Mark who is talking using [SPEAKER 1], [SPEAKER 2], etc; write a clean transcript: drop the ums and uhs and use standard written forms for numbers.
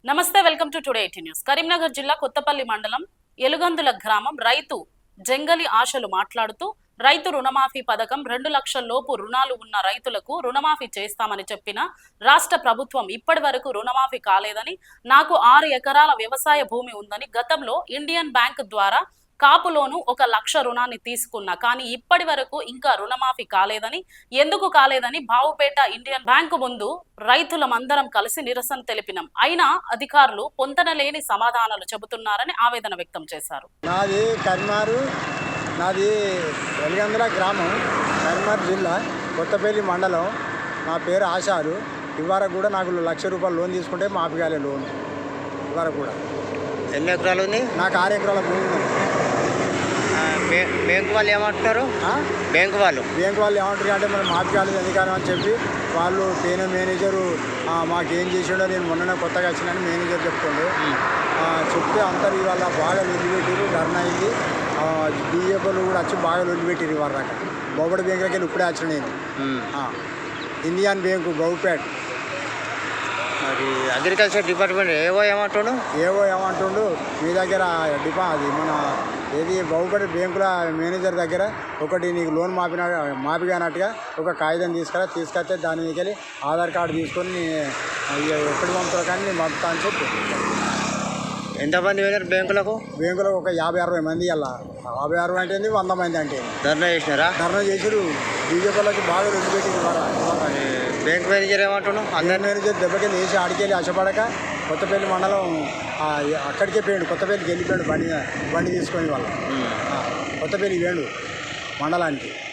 [SPEAKER 1] నమస్తే, welcome to today 18 news. Karimnagar జిల్లా కొత్తపల్లి మండలం ఎలుగందుల గ్రామం రైతు జంగలి ఆశలు మాట్లాడుతూ రైతు రుణమాఫీ పథకం 2 లక్షల లోపు రుణాలు ఉన్న రైతులకు రుణమాఫీ చేస్తామని చెప్పిన రాష్ట్ర ప్రభుత్వం ఇప్పటి వరకు రుణమాఫీ కాలేదని, నాకు 6 ఎకరాల వ్యవసాయ భూమి ఉందని, గతంలో ఇండియన్ బ్యాంక్ ద్వారా కాపులోను 1 లక్ష రుణాన్ని తీసుకున్నా కానీ ఇప్పటి వరకు ఇంకా రుణమాఫీ కాలేదని, ఎందుకు కాలేదని బావుపేట ఇండియన్ బ్యాంకు ముందు రైతులమందరం కలిసి నిరసన తెలిపినాం. అయినా అధికారులు పొంతనలేని సమాధానాలు చెబుతున్నారని ఆవేదన వ్యక్తం చేశారు.
[SPEAKER 2] నాది ఎలుగందుల గ్రామం, కరీంనగర్ జిల్లా, కొత్తపల్లి మండలం. నా పేరు ఆశాలు. ఇవరకు కూడా నాకు 1 లక్ష రూపాయలు లోన్ తీసుకుంటే మాఫీ కాలే లోన్. ఇవరకు కూడా.
[SPEAKER 3] ఎన్ని ఎకరాలు ఉంది?
[SPEAKER 2] నాకు 6 ఎకరాల భూమి ఉంది.
[SPEAKER 3] బ్యాంకు వాళ్ళు ఏమంటున్నారు? బ్యాంకు వాళ్ళు
[SPEAKER 2] ఏమంటారు అంటే మనం మాఫీ కాలేదు ఎందుకని అని చెప్పి వాళ్ళు మేనేజరు మాకేం చేసాడో, నేను మొన్ననే కొత్తగా వచ్చినని మేనేజర్ చెప్తుండే. చెప్తే అందరు ఇవాళ బాగా వదిలిపెట్టిరు, ధర్నా అయింది. బీజేపీలు కూడా వచ్చి బాగా వదిలిపెట్టిరు. ఇవాళ దాకా బొబ్బడి బ్యాంకులకి వెళ్ళి ఇప్పుడే వచ్చినాయి. ఇండియన్ బ్యాంకు బౌపేట్.
[SPEAKER 3] మరి అగ్రికల్చర్ డిపార్ట్మెంట్ ఏవో
[SPEAKER 2] ఏమంటుండు మీ దగ్గర అది మన ఏది బహుపడి బ్యాంకుల మేనేజర్ దగ్గర ఒకటి నీకు లోన్ మాఫీ కానట్టుగా ఒక కాగితం తీసుకొస్తే దాని వెళ్ళి ఆధార్ కార్డు తీసుకొని ఎప్పుడు పంపుతారు కానీ నేను పంపుతా అని చెప్పి.
[SPEAKER 3] ఎంతమంది వెళ్ళారు బ్యాంకులకు
[SPEAKER 2] ఒక 50-60 మంది. అలా 50-60 అంటే 100 మంది అంటే
[SPEAKER 3] ధర్నా
[SPEAKER 2] చేసారు. బీజేపీలోకి బాగా వదిలిపెట్టింది.
[SPEAKER 3] బ్యాంక్ మేనేజర్ ఏమంటున్నావు?
[SPEAKER 2] అందరి మేనేజర్ దెబ్బకెళ్ళి వేసి ఆడికెళ్ళి ఆశపడక కొత్తపల్లి మండలం అక్కడికే పోయాడు. కొత్తపల్లికి వెళ్ళిపోయాడు బండి తీసుకొని. వాళ్ళ కొత్తపల్లి వేడు మండలానికి.